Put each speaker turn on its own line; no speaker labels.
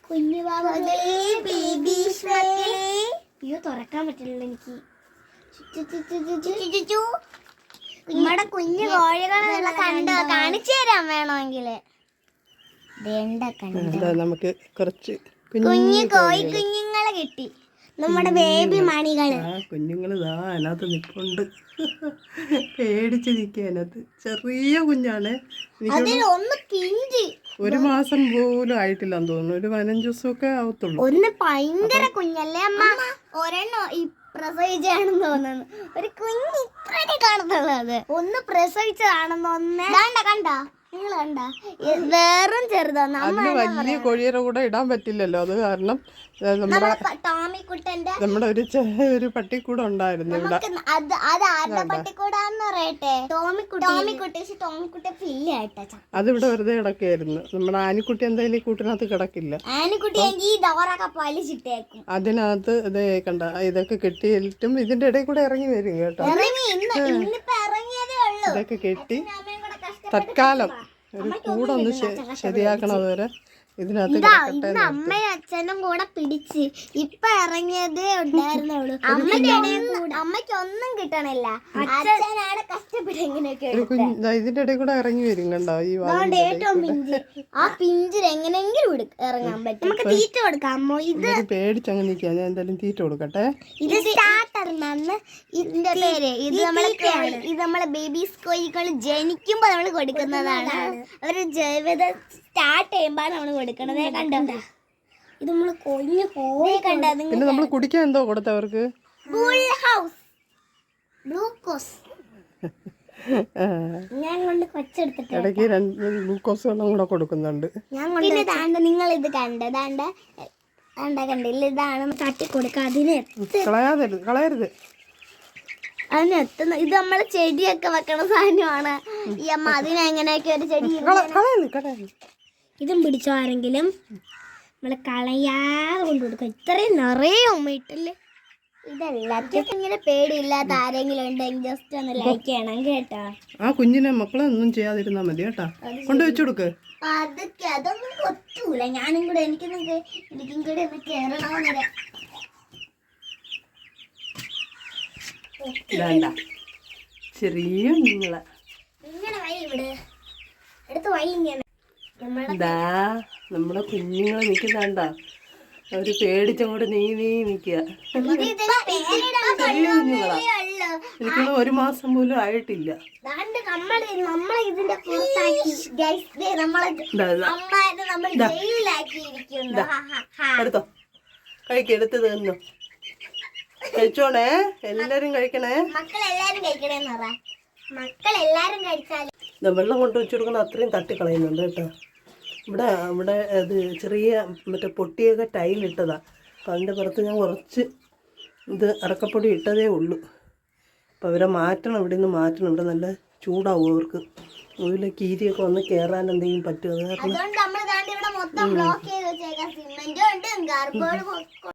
കുഞ്ഞു അയ്യോ തുറക്കാൻ പറ്റില്ല എനിക്ക്. നമ്മുടെ കുഞ്ഞു കോഴികളെ കണ്ടോ? കാണിച്ചു തരാൻ വേണമെങ്കിൽ
നമുക്ക് കുറച്ച്
കുഞ്ഞു കോഴി കുഞ്ഞുങ്ങളെ കിട്ടി. നമ്മുടെ ബേബി മണികള്
കുഞ്ഞുങ്ങള് അതിനകത്ത് നിൽപ്പുണ്ട്. പേടിച്ച് നിൽക്കുക അതിനകത്ത്. ചെറിയ കുഞ്ഞാണ്.
ഒന്ന് പിഞ്ചി
1 മാസം പോലും ആയിട്ടില്ലെന്ന് തോന്നുന്നു. ഒരു 15 ദിവസമൊക്കെ ആവത്തുള്ളൂ.
ഒന്ന് ഭയങ്കര കുഞ്ഞല്ലേ അമ്മ? ഒരെണ്ണം ഈ പ്രസവിച്ചാണെന്ന് തോന്നുന്നു. ഒരു കുഞ്ഞ് ഇത്രയൊക്കെ കാണത്തുള്ളത്. ഒന്ന് പ്രസവിച്ചതാണെന്ന് ഒന്ന് കണ്ട നിങ്ങൾ കണ്ട. വേറും ചെറുതാണ്.
വലിയ കോഴിയുടെ കൂടെ ഇടാൻ പറ്റില്ലല്ലോ. അത് കാരണം നമ്മുടെ ഒരു പട്ടിക്കൂടെ ഉണ്ടായിരുന്നു ഇവിടെ. അതിവിടെ വെറുതെ കിടക്കുകയായിരുന്നു. നമ്മുടെ ആനിക്കുട്ടി എന്തായാലും ഈ കൂട്ടിനകത്ത് കിടക്കില്ല. അതിനകത്ത് ഇതേ കണ്ട ഇതൊക്കെ കെട്ടിയിട്ടും ഇതിന്റെ ഇടയിൽ കൂടെ ഇറങ്ങി വരും കേട്ടോ. ഇതൊക്കെ കെട്ടി തൽക്കാലം ഒരു കൂടൊന്ന് ശരിയാക്കണം. അതുവരെ ഇതിനകത്ത്
അമ്മയും അച്ഛനും കൂടെ പിടിച്ച് ഇപ്പൊ ഇറങ്ങിയതേ ഉണ്ടായിരുന്നുള്ളൂ. അമ്മയ്ക്ക് ഒന്നും കിട്ടണില്ല. അച്ഛനാണ് കഷ്ടപ്പെട്ട് എങ്ങനെയൊക്കെ
ഇതിന്റെ ഇടയിൽ കൂടെ ഇറങ്ങി വരും കണ്ടോ. ഈ
ഏറ്റവും പിഞ്ച് ആ പിഞ്ചിൽ എങ്ങനെയെങ്കിലും ഇറങ്ങാൻ പറ്റും. നമുക്ക് തീറ്റ കൊടുക്കാമോ? ഇത്
പേടിച്ചങ്ങ് നിൽക്കുക. ഞാൻ എന്തായാലും തീറ്റ കൊടുക്കട്ടെ.
ഇത് സ്റ്റാർട്ടർ എന്നാണ് ഇതിന്റെ പേര്. ഇത് നമ്മളെ ബേബീസ് കോഴികൾ ജനിക്കുമ്പോ നമ്മൾ കൊടുക്കുന്നതാണ്. അവര് ജീവിതം സ്റ്റാർട്ട് ചെയ്യുമ്പോൾ നമ്മൾ കൊടുക്കണത്. കണ്ടോ ഇത് നമ്മള് കൊഞ്ഞു കോഴി കണ്ട.
പിന്നെ നമ്മൾ കുടിക്കാൻ എന്തോ കൊടുത്തവർക്ക്?
ഗ്ലൂക്കോസ്. ഞാൻ കൊണ്ട് കൊച്ചെടുത്തിട്ട്
ഇടയ്ക്ക് 2 ഗ്ലൂക്കോസ് വെള്ളം കൂടെ കൊടുക്കുന്നുണ്ട്.
പിന്നെ താണ്ട നിങ്ങൾ ഇത് കണ്ടില്ല. ഇതാണ് തട്ടി കൊടുക്കുക.
കളയരുത്.
അതിനെത്തുന്ന ഇത് നമ്മളെ ചെടിയൊക്കെ വെക്കണ സാധനമാണ്. ഈ അമ്മ അതിനെങ്ങനെയൊക്കെ ഒരു ചെടി ഇതും പിടിച്ചോ ആരെങ്കിലും. നമ്മള് കളയാതെ കൊണ്ട് കൊടുക്കുക. ഇത്രയും നിറയെ ഉമ്മയിട്ടല്ലേ. ഇതെല്ലാത്തിനും ഇങ്ങനെ പേടിയില്ലാത്ത ആരെങ്കിലും ഉണ്ടെങ്കിൽ ജസ്റ്റ് ഒന്ന് ലൈക്ക് ചെയ്യണം കേട്ടോ.
ആ കുഞ്ഞിനെ മക്കളെ ഒന്നും ചെയ്യാതിരുന്നാ മതി കേട്ടാ. കൊണ്ടുവച്ചു കൊടുക്ക്.
അതൊന്നും കൊത്തൂല. ഞാനും കൂടെ എനിക്കും കൂടെ ഒന്ന് കേറണമെന്നില്ല.
ചെറിയ കുഞ്ഞുങ്ങളെ
ഇങ്ങനെ വൈ ഇവിടെ അടുത്ത് വൈ ഇങ്ങനെ
നമ്മുടെ കുഞ്ഞുങ്ങളെ നിൽക്കുന്നുണ്ട. അവര് പേടിച്ചങ്ങോട്ട് നീ നിക്കുക. ചെറിയ കുഞ്ഞുങ്ങളാ. എനിക്കൊന്ന് 1 മാസം പോലും ആയിട്ടില്ല. എടുത്തോ കഴിക്കെടുത്ത് തന്നോ. കഴിച്ചോണേ. എല്ലാരും കഴിക്കണേ. വെള്ളം കൊണ്ട് വെച്ചു കൊടുക്കുന്ന അത്രയും തട്ടിക്കളയുന്നുണ്ട് കേട്ടോ. ഇവിടെ അത് ചെറിയ മറ്റേ പൊട്ടിയൊക്കെ ടൈലിട്ടതാ. അപ്പം അതിൻ്റെ പുറത്ത് ഞാൻ കുറച്ച് ഇത് അറക്കപ്പൊടി ഇട്ടതേ ഉള്ളൂ. അപ്പം അവരെ മാറ്റണം. ഇവിടെ നിന്ന് മാറ്റണം. ഇവിടെ നല്ല ചൂടാവും അവർക്ക്. അതിൽ കീരിയൊക്കെ വന്ന് കയറാൻ എന്തെങ്കിലും പറ്റും. അത് കാരണം